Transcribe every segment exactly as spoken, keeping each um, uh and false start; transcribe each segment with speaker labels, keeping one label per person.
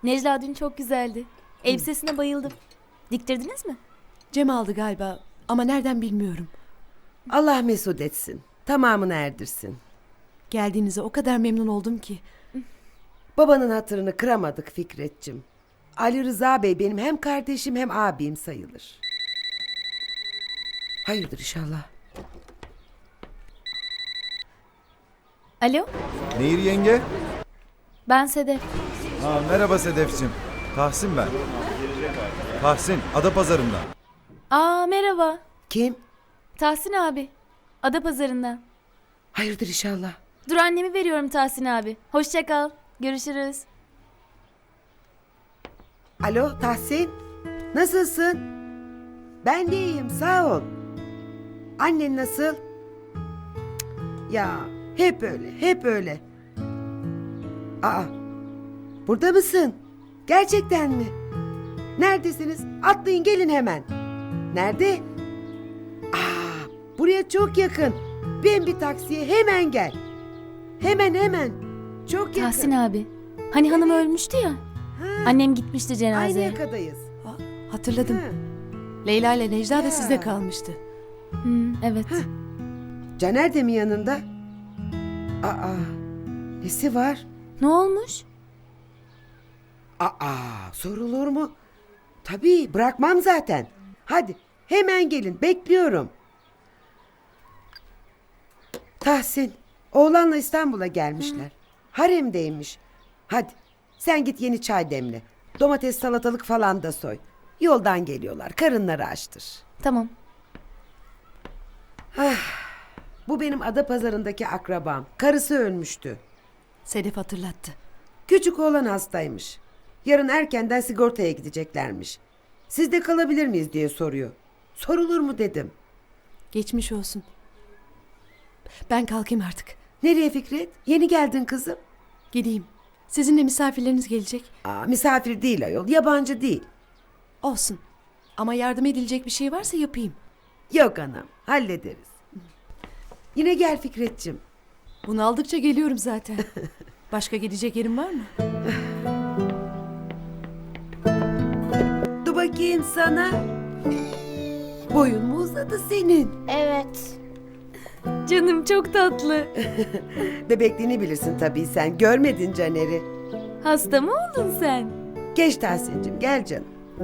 Speaker 1: Necla dün çok güzeldi. Elbisesine bayıldım. Diktirdiniz mi?
Speaker 2: Cem aldı galiba ama nereden bilmiyorum.
Speaker 3: Allah mesut etsin. Tamamını erdirsin.
Speaker 2: Geldiğinize o kadar memnun oldum ki.
Speaker 3: Babanın hatırını kıramadık Fikret'cim. Ali Rıza Bey benim hem kardeşim hem abim sayılır. Hayırdır inşallah.
Speaker 1: Alo,
Speaker 4: Nehir yenge.
Speaker 1: ben Sedef.
Speaker 4: Ha, merhaba Sedef'cim. Tahsin ben. Tahsin, Adapazarı'ndan.
Speaker 1: Aa merhaba.
Speaker 3: Kim?
Speaker 1: Tahsin abi. Adapazarı'ndan.
Speaker 3: Hayırdır inşallah.
Speaker 1: Dur annemi veriyorum Tahsin abi. Hoşça kal. Görüşürüz.
Speaker 3: Alo Tahsin. Nasılsın? Ben de iyiyim sağ ol. Annen nasıl? Cık, ya hep öyle hep öyle. Aa, burada mısın? Gerçekten mi? Neredesiniz? Atlayın gelin hemen. Nerede? Aa, buraya çok yakın. Bin bir taksiye hemen gel. Hemen hemen. Çok yakın.
Speaker 1: Tahsin abi. Hani hanım ölmüştü ya.
Speaker 3: Ha,
Speaker 1: Annem gitmişti
Speaker 3: aynı
Speaker 1: cenazeye.
Speaker 3: yakadayız.
Speaker 2: Ha, hatırladım.
Speaker 3: Ha,
Speaker 2: Leyla ile Necla da
Speaker 3: Ya.
Speaker 2: sizde kalmıştı.
Speaker 1: Hmm, evet.
Speaker 3: Caner de mi yanında? Aa, nesi var?
Speaker 1: Ne olmuş?
Speaker 3: Aa, sorulur mu? Tabii bırakmam zaten. Hadi hemen gelin bekliyorum. Tahsin, oğlanla İstanbul'a gelmişler. Haremdeymiş. Hadi sen git yeni çay demle. Domates salatalık falan da soy. Yoldan geliyorlar karınları açtır.
Speaker 1: Tamam.
Speaker 3: Bu benim Adapazarı'ndaki akrabam. Karısı ölmüştü.
Speaker 2: Sedef hatırlattı.
Speaker 3: Küçük oğlan hastaymış. Yarın erkenden sigortaya gideceklermiş. Siz de kalabilir miyiz diye soruyor. Sorulur mu dedim.
Speaker 2: Geçmiş olsun. Ben kalkayım artık.
Speaker 3: Nereye Fikret? Yeni geldin kızım.
Speaker 2: Gideyim. Sizinle misafirleriniz gelecek.
Speaker 3: Aa, misafir değil ayol, yabancı değil.
Speaker 2: Olsun. Ama yardım edilecek bir şey varsa yapayım.
Speaker 3: Yok anam, hallederiz. Yine gel Fikret'cim.
Speaker 2: Bunu aldıkça geliyorum zaten. Başka gidecek yerim var mı?
Speaker 3: Dur bakayım sana. Boyun mu uzadı senin?
Speaker 5: Evet.
Speaker 1: Canım çok tatlı.
Speaker 3: Bebekliğini bilirsin tabii sen. Görmedin Caner'i.
Speaker 1: Hasta mı oldun sen?
Speaker 3: Geç Tahsin'cim, gel canım.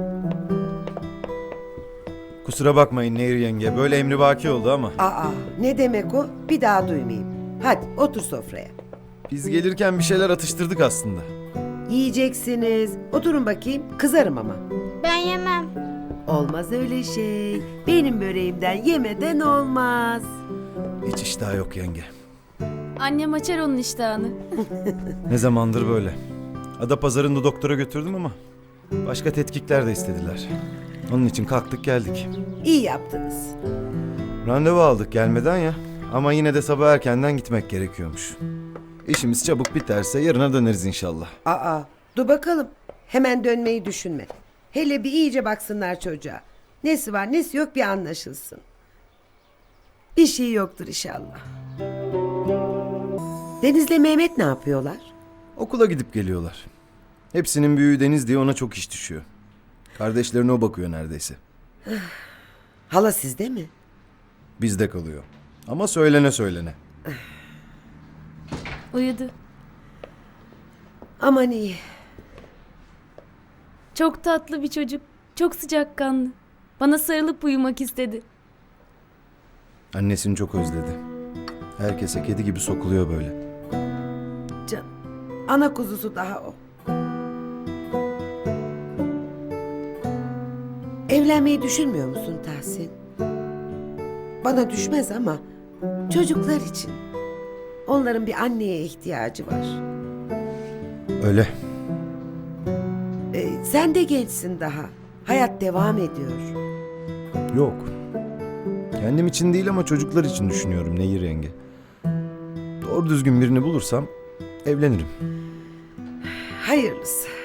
Speaker 4: Kusura bakmayın Nehir yenge. Böyle emrivaki oldu ama.
Speaker 3: Aa, ne demek o? Bir daha duymayayım. Hadi otur sofraya.
Speaker 4: Biz gelirken bir şeyler atıştırdık aslında.
Speaker 3: Yiyeceksiniz. Oturun bakayım. Kızarım ama.
Speaker 5: Ben yemem.
Speaker 3: Olmaz öyle şey. Benim böreğimden yemeden olmaz.
Speaker 4: Hiç iştah yok yenge.
Speaker 1: Annem açar onun iştahını.
Speaker 4: Ne zamandır böyle. Adapazarı'nda doktora götürdüm ama başka tetkikler de istediler. Onun için kalktık geldik.
Speaker 3: İyi yaptınız.
Speaker 4: Randevu aldık gelmeden ya. Ama yine de sabah erkenden gitmek gerekiyormuş. İşimiz çabuk biterse yarına döneriz inşallah.
Speaker 3: Aa, dur bakalım. Hemen dönmeyi düşünme. Hele bir iyice baksınlar çocuğa. Nesi var nesi yok bir anlaşılsın. Bir şey yoktur inşallah. Deniz'le Mehmet ne yapıyorlar?
Speaker 4: Okula gidip geliyorlar. Hepsinin büyüğü Deniz diye ona çok iş düşüyor. Kardeşlerine o bakıyor neredeyse.
Speaker 3: Hala sizde mi?
Speaker 4: Bizde kalıyor. Ama söylene söylene.
Speaker 1: Uyudu.
Speaker 3: Aman iyi.
Speaker 1: Çok tatlı bir çocuk. Çok sıcakkanlı. Bana sarılıp uyumak istedi.
Speaker 4: Annesini çok özledi. Herkese kedi gibi sokuluyor böyle.
Speaker 3: Can, ana kuzusu daha o. Evlenmeyi düşünmüyor musun Tahsin? Bana düşmez ama çocuklar için. Onların bir anneye ihtiyacı var.
Speaker 4: Öyle.
Speaker 3: Ee, sen de gençsin daha. Hayat devam ediyor.
Speaker 4: Yok. Kendim için değil ama çocuklar için düşünüyorum Nehir yenge. Doğru düzgün birini bulursam evlenirim.
Speaker 3: Hayırlısı.